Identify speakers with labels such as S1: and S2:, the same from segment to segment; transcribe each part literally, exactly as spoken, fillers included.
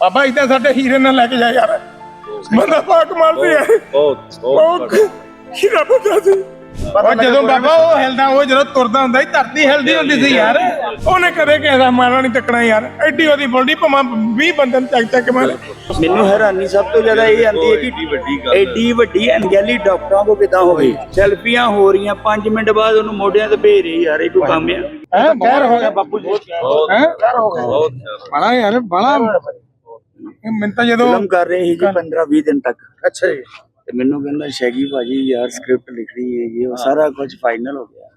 S1: ਬਾਬਾ ਇਦਾਂ ਸਾਡੇ ਹੀਰੇ ਨਾਲ ਲੈ ਕੇ ਜਾ ਯਾਰ। ਬੰਦਾ ਪਾ ਕਮਾਲ ਦੀ ਹੈ।
S2: ਬਹੁਤ ਬਹੁਤ
S1: ਹੀਰਾ ਬੰਦਾ ਸੀ। ਉਹ ਜਦੋਂ ਬਾਬਾ ਉਹ ਹਿਲਦਾ, ਉਹ ਜਦੋਂ ਤੁਰਦਾ ਹੁੰਦਾ ਸੀ ਧਰਤੀ ਹਿਲਦੀ ਹੁੰਦੀ ਸੀ ਯਾਰ। ਉਹਨੇ ਕਦੇ ਕਿਸੇ ਦਾ ਮਾਰਾ ਨਹੀਂ ਤੱਕਣਾ ਯਾਰ। ਐਡੀ ਉਹਦੀ ਬੋਲਦੀ ਭਾਵੇਂ ਵੀਹ ਬੰਦੇ ਨੂੰ ਚੱਕ ਚੱਕ ਮਾਰੇ।
S3: ਮੈਨੂੰ ਹੈਰਾਨੀ ਸਭ ਤੋਂ ਜ਼ਿਆਦਾ ਇਹ ਆਂਦੀ ਹੈ ਕਿ ਐਡੀ ਵੱਡੀ ਅਣਗਹਿਲੀ ਡਾਕਟਰਾਂ ਕੋ ਕਿਦਾਂ ਹੋ ਗਈ। ਸੈਲਫੀਆਂ ਹੋ ਰਹੀਆਂ, ਪੰਜ ਮਿੰਟ ਬਾਅਦ ਉਹਨੂੰ ਮੋਢਿਆਂ ਤੇ ਭੇਜ ਰਹੀ ਯਾਰ। ਇਹ ਕੋਈ ਕੰਮ ਆ?
S1: ਹੈ ਗੈਰ ਹੋ ਗਿਆ ਬਾਪੂ ਜੀ। ਹੈ ਗੈਰ ਹੋ ਗਿਆ ਬੜਾ ਯਾਰ ਬੜਾ। ਮੈਂ ਤਾਂ ਜਦੋਂ
S3: ਫਿਲਮ ਕਰ ਰਹੇ ਸੀ ਜੀ ਪੰਦਰਾਂ ਵੀਹ ਦਿਨ ਤੱਕ।
S1: ਅੱਛਾ ਜੀ।
S3: ਤੇ ਮੈਨੂੰ ਕਹਿੰਦਾ ਸ਼ੈਗੀ ਭਾਜੀ ਯਾਰ ਸਕ੍ਰਿਪਟ ਲਿਖਣੀ ਹੈ, ਇਹ ਉਹ ਸਾਰਾ ਕੁਝ ਫਾਈਨਲ ਹੋ ਗਿਆ।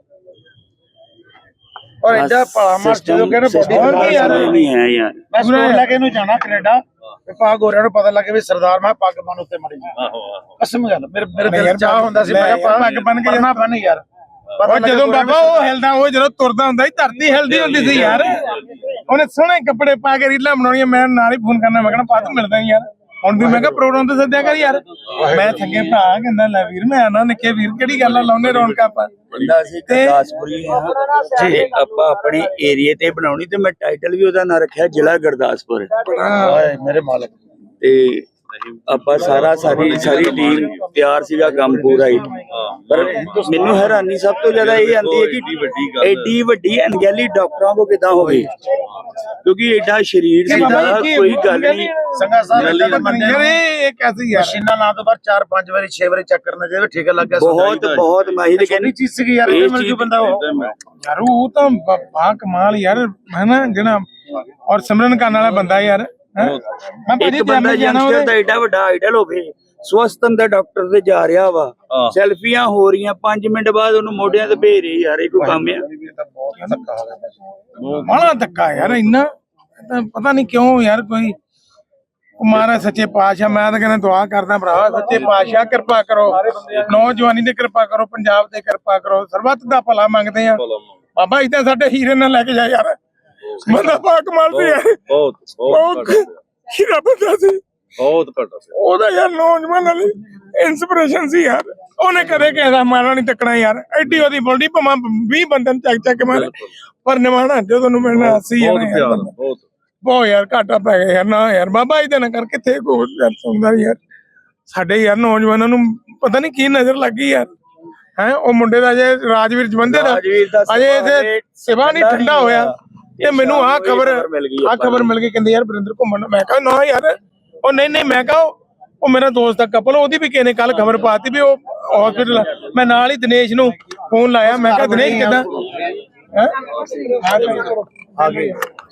S1: ਔਰ ਐਡਾ ਭਲਾ ਮਾਰ ਜਦੋਂ ਕਹਿੰਦੇ ਬੋਡੀ ਯਾਰ
S3: ਨਹੀਂ ਹੈ ਯਾਰ।
S1: ਮੈਂ ਸਕੂਲ ਲੈ ਕੇ ਇਹਨੂੰ ਜਾਣਾ ਕੈਨੇਡਾ ਤੇ ਪਾ ਗੋਰਿਆਂ ਨੂੰ ਪਤਾ ਲੱਗੇ ਵੀ ਸਰਦਾਰ ਮੈਂ ਪੱਗ ਬੰਨ ਉੱਤੇ ਮੜੀ।
S2: ਆਹੋ ਆਹੋ
S1: ਕਸਮ ਗੱਲ ਮੇਰੇ ਮੇਰੇ ਦਿਲ ਚਾਹ ਹੁੰਦਾ ਸੀ ਮੈਂ ਕਿਹਾ ਪੱਗ ਬੰਨ ਕੇ ਜਾਣਾ ਬੰਨ ਯਾਰ। ਉਹ ਜਦੋਂ ਬਾਬਾ ਉਹ ਹਿਲਦਾ, ਉਹ ਜਦੋਂ ਤੁਰਦਾ ਹੁੰਦਾ ਸੀ ਧਰਤੀ ਹਿਲਦੀ ਹੁੰਦੀ ਸੀ ਯਾਰ। ਉਹਨੇ ਸੋਹਣੇ ਕੱਪੜੇ ਪਾ ਕੇ ਰੀਲਾਂ ਬਣਾਉਣੀਆਂ। ਮੈਂ ਨਾਲ ਹੀ ਫੋਨ ਕਰਨਾ, ਮੈਂ ਕਹਿਣਾ ਪਾ ਤੂੰ ਮਿਲਦਾ ਯਾਰ। ਹੁਣ ਵੀ ਮੈਂ ਕਿਹਾ ਪ੍ਰੋਗਰਾਮ ਤੇ ਸੱਦਿਆ ਕਰ ਯਾਰ। ਮੈਂ ਥੱਕੇ ਭਰਾ ਕਹਿੰਦਾ ਲੈ ਵੀਰ ਮੈਂ ਆਣਾ ਨਿੱਕੇ ਵੀਰ ਕਿਹੜੀ ਗੱਲ ਆ ਲਾਉਨੇ ਰੌਣਕਾਂ ਆਪਾਂ।
S3: ਬੰਦਾ ਅਸੀਂ ਗੁਰਦਾਸਪੁਰੀ ਹਾਂ ਜੇ ਆਪਾਂ ਆਪਣੇ ਏਰੀਏ ਤੇ ਬਣਾਉਣੀ ਤੇ ਮੈਂ ਟਾਈਟਲ ਵੀ ਉਹਦਾ ਨਾਂ ਰੱਖਿਆ ਜ਼ਿਲ੍ਹਾ ਗੁਰਦਾਸਪੁਰ।
S1: ਹਾਏ ਮੇਰੇ ਮਾਲਕ।
S3: ਤੇ ਆਪਾਂ ਸਾਰਾ ਸਾਰੀ ਸਾਰੀ ਟੀਮ ਤਿਆਰ ਸੀਗਾ, ਕੰਮ ਪੂਰਾ ਹੀ। ਪਰ ਮੈਨੂੰ ਹੈਰਾਨੀ ਸਭ ਤੋਂ ਜ਼ਿਆਦਾ ਇਹ ਆਂਦੀ ਹੈ ਕਿ ਐਡੀ ਵੱਡੀ ਅਣਗਹਿਲੀ ਡਾਕਟਰਾਂ ਕੋ ਕਿਦਾਂ ਹੋ ਗਈ। ਕਿਉਂਕਿ ਐਡਾ ਸਰੀਰ ਸੀਗਾ, ਕੋਈ ਗੱਲ ਨਹੀਂ।
S1: ਸੰਗਾ ਸਾਹਿਬ ਇਹ ਕੈਸੀ ਯਾਰ ਮਸ਼ੀਨਾਂ ਲਾ ਤੋਂ ਬਾਅਦ ਚਾਰ ਪੰਜ ਵਾਰੀ ਛੇ ਵਾਰੀ ਚੱਕ ਕਰਨਾ ਚਾਹੀਦਾ। ਠੀਕ ਲੱਗਾ
S3: ਬਹੁਤ ਬਹੁਤ ਮਾਹਿਰ ਕਹਿੰਦੀ
S1: ਚੀਜ਼ ਸੀਗੀ ਯਾਰ। ਇਹ ਮਿਲ ਜੂ ਬੰਦਾ ਉਹ ਯਾਰ। ਉਹ ਤਾਂ ਬਾ ਕਮਾਲ ਯਾਰ ਹੈ ਨਾ ਜਿਹੜਾ। ਔਰ ਸਿਮਰਨ ਕਰਨ ਵਾਲਾ ਬੰਦਾ ਯਾਰ।
S3: ਇੱਕ ਬੰਦਾ ਯੰਗਸਟਰ ਦਾ ਐਡਾ ਵੱਡਾ ਆਈਡਲ ਹੋਵੇ, ਸਵਸਥ ਅੰਦਰ ਡਾਕਟਰ ਤੇ ਜਾ ਰਿਹਾ ਵਾ, ਸੈਲਫੀਆਂ ਹੋ ਰਹੀਆਂ, ਪੰਜ ਮਿੰਟ ਬਾਅਦ ਉਹਨੂੰ ਮੋਢਿਆਂ ਤੇ ਭੇਜ ਰਹੀ ਯਾਰ। ਇਹ ਕੋਈ ਕੰਮ ਆ?
S1: ਬੜਾ ਧੱਕਾ ਯਾਰ ਇੰਨਾ। ਪਤਾ ਨਹੀਂ ਕਿਉਂ ਯਾਰ। ਕੋਈ ਕੁਮਾਰਾ ਸੱਚੇ ਪਾਤਸ਼ਾਹ, ਮੈਂ ਤਾਂ ਕਹਿੰਦਾ ਦੁਆ ਕਰਦਾ ਭਰਾ ਸੱਚੇ ਪਾਤਸ਼ਾਹ ਕਿਰਪਾ ਕਰੋ, ਨੌਜਵਾਨੀ ਤੇ ਕਿਰਪਾ ਕਰੋ, ਪੰਜਾਬ ਤੇ ਕਿਰਪਾ ਕਰੋ, ਸਰਬੱਤ ਦਾ ਭਲਾ ਮੰਗਦੇ ਆ ਬਾਬਾ। ਇਦਾਂ ਸਾਡੇ ਹੀਰੇ ਨਾਲ ਲੈ ਕੇ ਜਾ ਯਾਰ। ਬੰਦਾ ਪਾ ਕਮਾਲ ਦੀ ਹੈ।
S2: ਬਹੁਤ ਬਹੁਤ
S1: ਹੀਰਾ ਬੰਦਾ ਸੀ।
S2: ਬਹੁਤ ਘੱਟ ਸੀ
S1: ਉਹਦਾ ਯਾਰ ਨੌਜਵਾਨ ਵਾਲੀ ਇਨਸਪੀਰੇਸ਼ਨ ਸੀ ਯਾਰ। ਉਹਨੇ ਕਦੇ ਕਿਸੇ ਦਾ ਮਾਰਾ ਨਹੀਂ ਤੱਕਣਾ ਯਾਰ। ਐਡੀ ਉਹਦੀ ਬੋਲਦੀ ਭਾਵੇਂ ਵੀਹ ਬੰਦੇ ਨੂੰ ਚੱਕ ਚੱਕ ਮਾਰੇ। ਪਰ ਨਿਮਾਣਾ ਜਦੋਂ ਨੂੰ ਮਿਲਣਾ ਸੀ ਬਹੁਤ ਬਹੁਤ ਯਾਰ ਘਾਟਾ ਪੈ ਗਿਆ ਯਾਰ। ਨਾ ਯਾਰ ਬਾਬਾ ਇਹਦੇ ਨਾਲ ਕਰ ਕਿੱਥੇ ਕੋਈ ਸੁਣਦਾ ਯਾਰ। ਸਾਡੇ ਯਾਰ ਨੌਜਵਾਨਾਂ ਨੂੰ ਪਤਾ ਨਹੀਂ ਕੀ ਨਜ਼ਰ ਲੱਗੀ ਯਾਰ। ਹੈ ਉਹ ਮੁੰਡੇ ਦਾ ਜੇ ਰਾਜਵੀਰ ਜਵੰਦੇ ਦਾ ਅਜੇ ਇਹਦੇ ਸਿਵਾ ਨਹੀਂ ਠੰਡਾ ਹੋਇਆ ਤੇ ਮੈਨੂੰ ਆਹ ਖਬਰ ਆਹ ਖਬਰ ਮਿਲ ਗਈ। ਕਹਿੰਦੇ ਯਾਰ ਵਰਿੰਦਰ ਘੁੰਮਣ। ਮੈਂ ਕਿਹਾ ਨਾ ਯਾਰ। ਉਹ ਨਹੀਂ ਨਹੀਂ ਮੈਂ ਕਿਹਾ ਉਹ ਮੇਰਾ ਦੋਸਤ ਦਾ ਕਪਲ, ਉਹਦੀ ਵੀ ਕਿਸੇ ਨੇ ਕੱਲ ਖਬਰ ਪਾਤੀ ਵੀ ਉਹ ਹਸਪੀਟਲ। ਮੈਂ ਨਾਲ ਹੀ ਦਿਨੇਸ਼ ਨੂੰ ਫੋਨ ਲਾਇਆ। ਮੈਂ ਕਿਹਾ ਦਿਨੇਸ਼ ਕਿੱਦਾਂ ਹੈ ਆ ਗਈ।